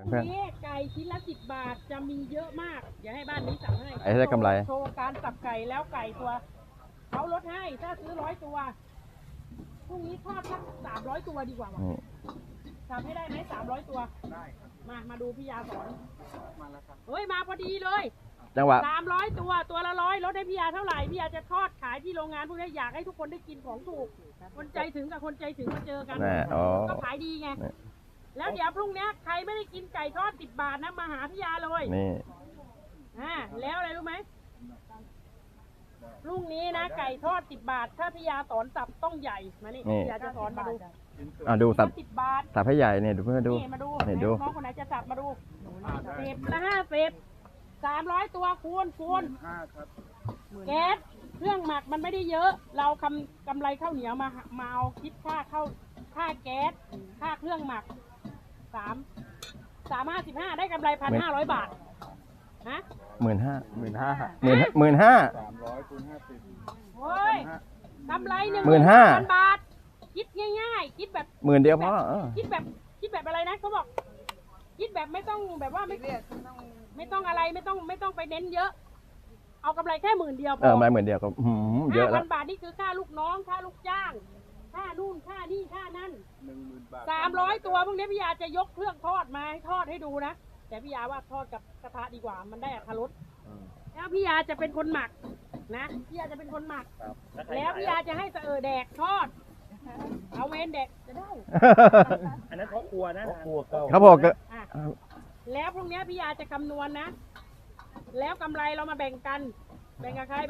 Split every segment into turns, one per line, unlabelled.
เพื่อน
นี่ไก่ชิ้นละ10 บาทจะมีเยอะมากอย่าให้บ้านนี้สั่งให้
ไอ้ได้กำไร
โชว์การสับไก่แล้วไก่ตัวเขาลดให้ถ้าซื้อ100 ตัวพรุ่งนี้ทอดสัก300 ตัวดีกว่าว่ะ
นี่
ทำให้ได้ไหม300 ตัวได้มาดูพี่ยาสอนมาแล้วครับเฮ้ยมาพอดีเลย
จังหวะ
300 ตัวละ100ลดให้พี่ยาเท่าไหร่พี่ยาจะทอดขายที่โรงงานพวกนี้อยากให้ทุกคนได้กินของถูกคนใจถึงกับคนใจถึงมาเจอกัน
แน่อ๋อ
ก็ขายดีไง
นี่
แล้วเดี๋ยวพรุ่งนี้ใครไม่ได้กินไก่ทอด10 บาทนะมาหาพี่ยาเลย
นี่
แล้วอะไรรู้ไหมพรุ่งนี้นะไก่ทอด10 บาทถ้าพี่ยาสอนสับต้องใหญ่มานี่พี่ยาจะสอนมาดู
ดูสับ
10 บาท
สับให้ใหญ่เนี่ยดูเพื่อนดู
นี่มาดู
นี่ดู
น้องคนไหนจะสับมาดู10 ละ 50 300 ตัวคูณแก๊สเครื่องหมักมันไม่ได้เยอะ เรากำไรข้าวเหนียวมาเอาคิดค่าแก๊สค่าเครื่องหมัก355ได้กำไร1,500 บาทฮะ
15,000
300 คูณ 50
โอ้ยกำไร
15,000
บาท คิดง่ายๆคิดแบบ
10,000เดียวพอ
คิดแบบอะไรนะเขาบอก คิดแบบไม่ต้องแบบว่าไม่ต้องอะไรไม่ต้องไปเน้นเยอะ เอากำไรแค่10,000 เดียวพอ
มา10,000เดียวก็เยอะแล้ว
5,000 บาทนี่คือค่าลูกน้องค่าลูกจ้างค่านู่นค่านี่ค่านั่น
10,000 บาท
300 ตัวพวกนี้พี่ยาจะยกเครื่องทอดมาให้ทอดให้ดูนะแต่พี่ยาว่าทอดกับกระทะดีกว่ามันได้อรรถรสแล้วพี่ยาจะเป็นคนหมักนะพี่ยาจะเป็นคนหมัก แล้วพี่ยาจะให้แดกทอดเอาเวนแดกจะได้
อันนั้นเขาครัวนะ
ครับผมก็
อ่ะแล้วพรุ่งนี้พี่ยาจะคำนวณนะ แล้วกำไรเรามาแบ่งกัน แบ่งกับใคร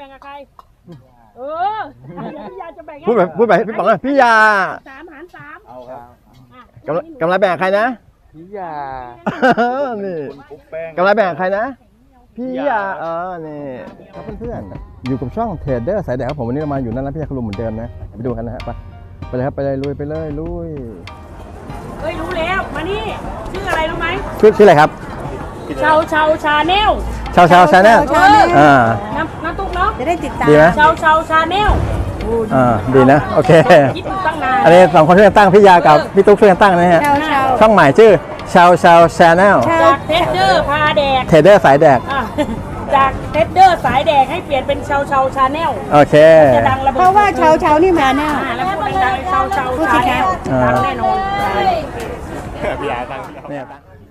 พี่ยาจะแบ่ง
พูดไปพี่ป๋องเลยพี่ยา
3 หาร 3
เอาครับ
อ่ะ
กำไรแบ่งใครนะ
พี่ยา
นี่
คลุกแป้ง
กำไรแบ่งใครนะ พี่ยานี่ครับเพื่อนๆอยู่กับช่องเทรดเดอร์สายแดกครับผมวันนี้เรามาอยู่นั่นแล้วพี่ยาคุณลุงเหมือนเดิมนะไปดูกันนะฮะไปเลยครับไปเลยลุยไปเลยลุย
เฮ้ยรู้แล้วมานี่ชื่ออะไรรู้ไหม
ชื่ออะไรครับ
ชาชาแนล
ชาวชาแนล
น้ำตุ๊กเนาะ
จะได้ติดตาม
ดีไหม
ชาแนล
ดีนะโอเค
คิดอยู่ตั้งนาน
อันนี้2คนช่วยกันตั้งพี่ยากับพี่ตุ๊กช่วยกันตั้งนะฮะ
เช้าเช้า
ช่องใหม่ชื่อชาวชาแนล
จากเทสเดอร์พาแดก
เทรดเดอร์สายแดก
อ่ะจากเทสเดอร์สายแดกให้เปลี่ยนเป็นชาชาแนล
โอเค
จะดังระเบิด
เพราะว่าเช้านี่มาแน่
แล้วพูดดังๆชาชาแนลดังแน่นอน
พี่ยาตั้ง
เนี่ย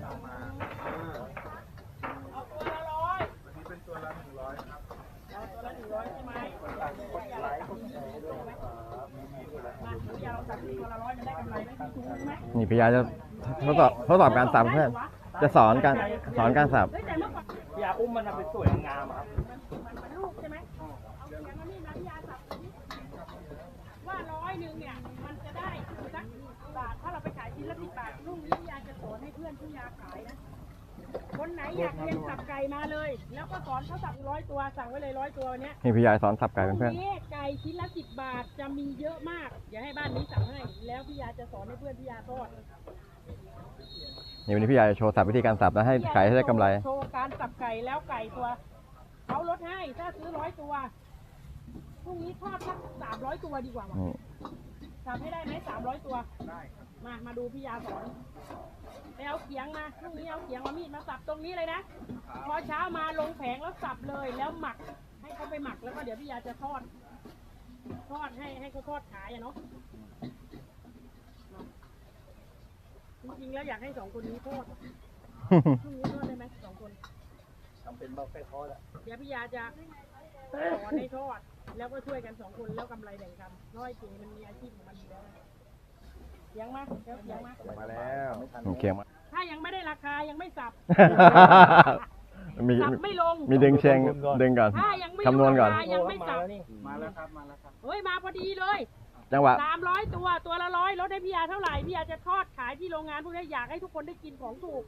นี่พี่ยาจะทดสอบการสับเพื่อนจะสอนการสับ
พี่ยาอุ้มมันทำเป็นสวยงามครับ
ลูกใช่ไหมอย่างนั้นนี่นะพี่ยาสับว่า100เนี่ยมันจะได้สักบาทถ้าเราไปขายชิ้นละ10 บาทพรุ่งนี้พี่ยาจะสอนให้เพื่อนพี่ยาขายนะคนไหนอยากเรียนสับไก่มาเลย แล้วก็สอนเขาสับ100 ตัวสั่งไว้เลย100 ตัวเนี้ย
นี่พี่ยาสอนสับไก่เพื่อน
นี่ไก่ชิ้นละ10 บาทจะมีเยอะมากอย่าให้บ้านนี้สั่งให้แล้วพี่ยาจะสอนให้เพื่อนพี่ยาทอด
ๆนี่วันนี้พี่ยาจะโชว์สับวิธีการสับนะให้ขายให้ได้กำไร
โชว์การสับไก่แล้วไก่ตัวเขาลดให้ถ้าซื้อ100 ตัวพรุ่งนี้ทอดสัก300 ตัวดีกว่าว่ะ
นี่
ทำให้ได้ไหม300 ตัวมาดูพี่ยาสอนไปเอาเขียงมาพรุ่งนี้เอาเขียงมามีดมาสับตรงนี้เลยนะพอเช้ามาลงแผงแล้วสับเลยแล้วหมักให้เขาไปหมักแล้วก็เดี๋ยวพี่ยาจะทอดให้เขาทอดขายอะเนาะจริงๆแล้วอยากให้2 คนนี้ทอดพรุ่งนี้ทอดได้ไหม2 คน
ทำเป็นเบาไฟทอดอ่ะ
เดี๋ยวพี่ยาจะสอนให้ทอดแล้วก็ช่วยกัน2 คนแล้วกำไรแบ่งกันน้อยตีมันมีอาชีพของมันอยู่แล้วเสียงมาเสียงมา
มาแล้ว
โอเคมา
ถ้ายังไม่ได้ราคายังไม่สับ
มี
สับไม่ลง
มีดึงเชงดึงก่อน
ถ้ายังไม่
คำนวณก่อน
ราคายังไม่สับ
มาแล้วครับ มาแล้วครับ
เฮ้ยมาพอดีเลย
จังหวะ
300 ตัวละ100ลดให้พี่ยาเท่าไหร่พี่ยาจะทอดขายที่โรงงานพวกนี้อยากให้ทุกคนได้กินของถูก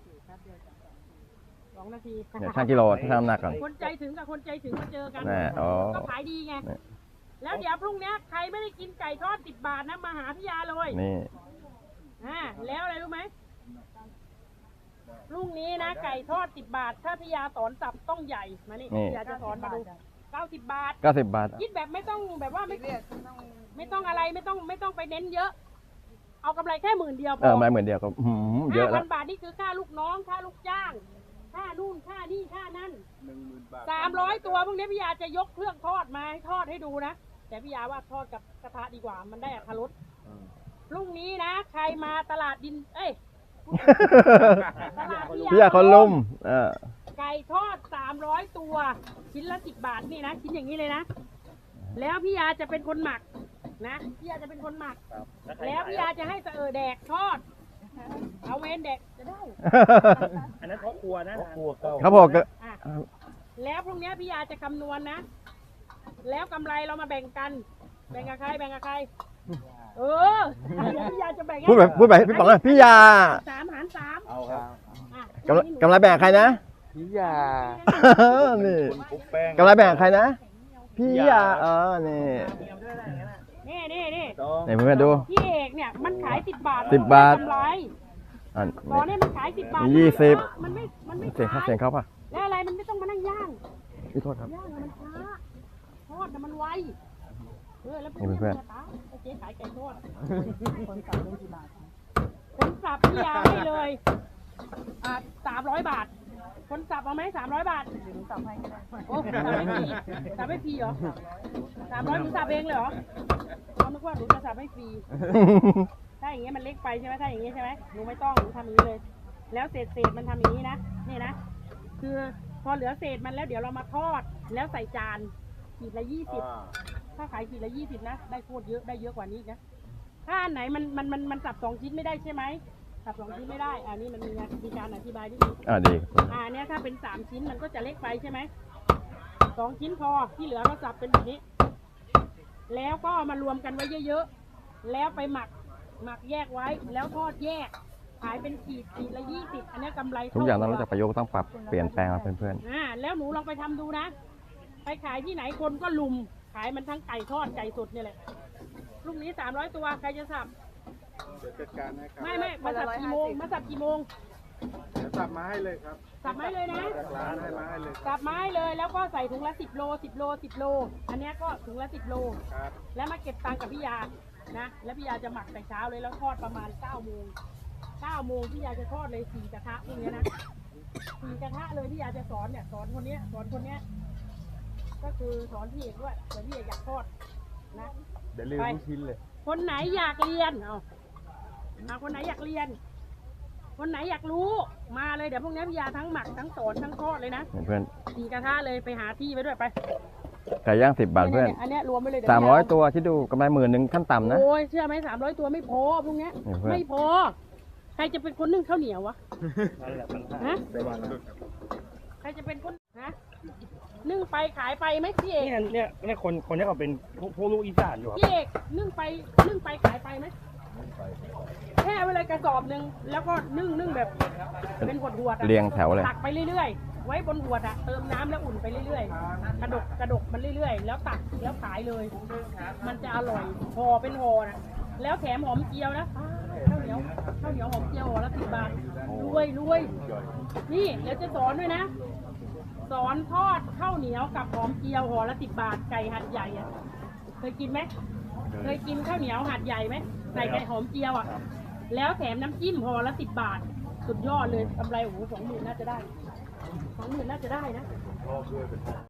2 นาที
เนี่ยช่างกิโลที่ทำน้ำหนักก่อน
คนใจถึงกับคนใจถึงมาเจอกัน
แน่อ๋อ
ก็ขายดีไง
เนี่ย
แล้วเดี๋ยวพรุ่งนี้ใครไม่ได้กินไก่ทอด10 บาทนะมาหาพี่ยาเลย
นี่
แล้วอะไรรู้ไหมพรุ่งนี้นะไก่ทอด10 บาทถ้าพี่ยาสอนสับต้องใหญ่มานี่พี่ยาจะสอนมาดู90 บาท
90 บาท
คิดแบบไม่ต้องแบบว่าไม่ต้องอะไรไม่ต้องไปเน้นเยอะเอากำไรแค่10,000เดียวพ
มาเหมือนเดียวก็เยอะแล้ว
5,000 บาทนี่คือค่าลูกน้องค่าลูกจ้างค่านู่นค่านี่ค่านั่น
10,000 บาท
300 ตัวพวกนี้พี่ยาจะยกเครื่องทอดมาให้ทอดให้ดูนะแต่พี่ยาว่าทอดกับกระทะดีกว่ามันได้อรรถรสพรุ่งนี้นะใครมาตลาดดินตลาด
พี่ยาคนลุ่ม
ไก่ทอด300 ตัวชิ้นละ10 บาทนี่นะชิ้นอย่างนี้เลยนะแล้วพี่ยาจะเป็นคนหมักนะพี่ยาจะเป็นคนหมักแล้วพี่ยาจะให้แดกทอดเอาเวนแดกจะได้
อันนั้นเขาครัวนะ
ครับผม
อ่ะแล้วพรุ่งนี้พี่ยาจะคำนวณนะแล้วกำไรเรามาแบ่งกันแบ่งกับใครพี่ยาจะแบ่ง
พูดแบบพี่ป๋องเลยพี่ยา
3 หาร 3
เอาครับ
อ่ะ
กำไรแบ่งใครนะ
พี่ยา
นี่
คุกแป้ง
กำไรแบ่งใครนะพี่ยานี่
นี่
ไหนเพื่อนดู
พี่เอกเนี่ยมันขาย10 บาท
10 บาท
กำไร
อัน
ตอนนี้มันขาย10 บาท
มี20
มันไม่
เสียง
ขาย
เสียงเขาป่ะ
แล้วอะไรมันไม่ต้องมานั่งย่าง
พี่โทษครับ
ย่างอะมันช้าทอดอะมันไวแล้ว
นี่เพื่อน
เจ๊ขายไก่ทอดคนสับได้กี่บาทคนสับพี่ยาให้เลย300 บาทคนสับเอาไหม300 บาทหนูสับให้ก็ได้โอ้สับไม่ฟรีเหรอ300หนูสับเองเลยเหรอเขานึกว่าหนูจะสับให้ฟรีถ้าอย่างเงี้ยมันเล็กไปใช่ไหมถ้าอย่างเงี้ยใช่ไหมหนูไม่ต้องหนูทำอย่างนี้เลย แล้วเศษมันทำอย่างนี้นะนี่นะคือพอเหลือเศษมันแล้วเดี๋ยวเรามาทอดแล้วใส่จานขีดละ20ถ้าขายขีดละ20นะได้โคตรเยอะได้เยอะกว่านี้นะถ้าอันไหนมันสับ2 ชิ้นไม่ได้ใช่ไหมสับ2 ชิ้นไม่ได้นี่มันมีการอธิบายด้วย
ดี
เนี่ยถ้าเป็น3 ชิ้นมันก็จะเล็กไปใช่ไหม2 ชิ้นพอที่เหลือก็สับเป็นแบบนี้แล้วก็มารวมกันไว้เยอะๆแล้วไปหมักแยกไว้แล้วทอดแยกขายเป็นขีดละ20อันนี้กำไร
ทุกอย่างต้องรู้จักประยุกต์ต้องปรับเปลี่ยนแปลงมาเพื่อน
แล้วหนูลองไปทำดูนะไปขายที่ไหนคนก็ลุมขายมันทั้งไก่ทอดไก่สดนี่แหละพรุ่งนี้300 ตัวใครจะสับ
เดี๋ยวจัดการให้ครับ
ไม่มาสับกี่โมงเ
ดี๋ยวสับมาให้เลยครับ
สับไม้เลยนะ
จากร้านให้มาให้เลย
สับไม้เลยแล้วก็ใส่ถุงละ10 โลอันนี้ก็ถุงละ10 โล
ครับ
แล้วมาเก็บตังค์กับพี่ยานะแล้วพี่ยาจะหมักแต่เช้าเลยแล้วทอดประมาณ9 โมงพี่ยาจะทอดเลย4 กระทะพวกนี้นะ4 กระทะเลยพี่ยาจะสอนคนเนี้ยก็คือสอนพี่เอกด้วยแต่พี่เอกอยากทอดนะ
เดี๋ยวลืมทุกชิ้นเลย
คนไหนอยากเรียนคนไหนอยากเรียน คนไหนอยากรู้มาเลยเดี๋ยวพวกนี้พี่ยาทั้งหมักทั้งสอนทั้งทอดเลยนะ
เพื่อน
4 กระทะเลยไปหาที่ไว้ด้วยไป
ไก่ย่าง10 บาทเพื่อน
อันนี้รวมไปเลยเดี๋ยวพี่ย
300 ตัวที่ดูกำไร10,000ขั้นต่ำนะ
โอ้ยเชื่อไหม300 ตัวไม่พอพวกเนี้ย
นี่เพื่อน
ไม่พอใครจะเป็นคนนึ่งข้าวเหนียววะ
นั่นแหละมัน
ฮะ
ได้บ้านแล้ว
ใครจะเป็นคนนึ่งไปขายไปไหมพี่เอก
เนี่ยคนนี้เขาเป็นพวกลูกอีสานอยู่ครับ
พี่เอกนึ่งไปขายไปไหมแค่ไว้เลยกระสอบหนึ่งแล้วก็นึ่งแบบเป็นหวดๆ
เรียงแถวเลย
ตักไปเรื่อยๆไว้บนหวดเติมน้ำแล้วอุ่นไปเรื่อยๆกระดกมันเรื่อยๆแล้วตักแล้วขายเลย มันจะอร่อยห่อเป็นห่อนะแล้วแถมหอมเจียวนะข้าวเหนียวหอมเจียวห่อละ10 บาทรวยนี่เดี๋ยวจะสอนด้วยนะสอนทอดข้าวเหนียวกับหอมเจียวห่อละ10 บาทไก่หัดใหญ่อะเคยกินไหมเคยกินข้าวเหนียวหัดใหญ่ไหมใส่ไก่หอมเจียวอ่ะแล้วแถมน้ำจิ้มห่อละ10 บาทสุดยอดเลยกำไร20,000น่าจะได้20,000น่าจะได้นะ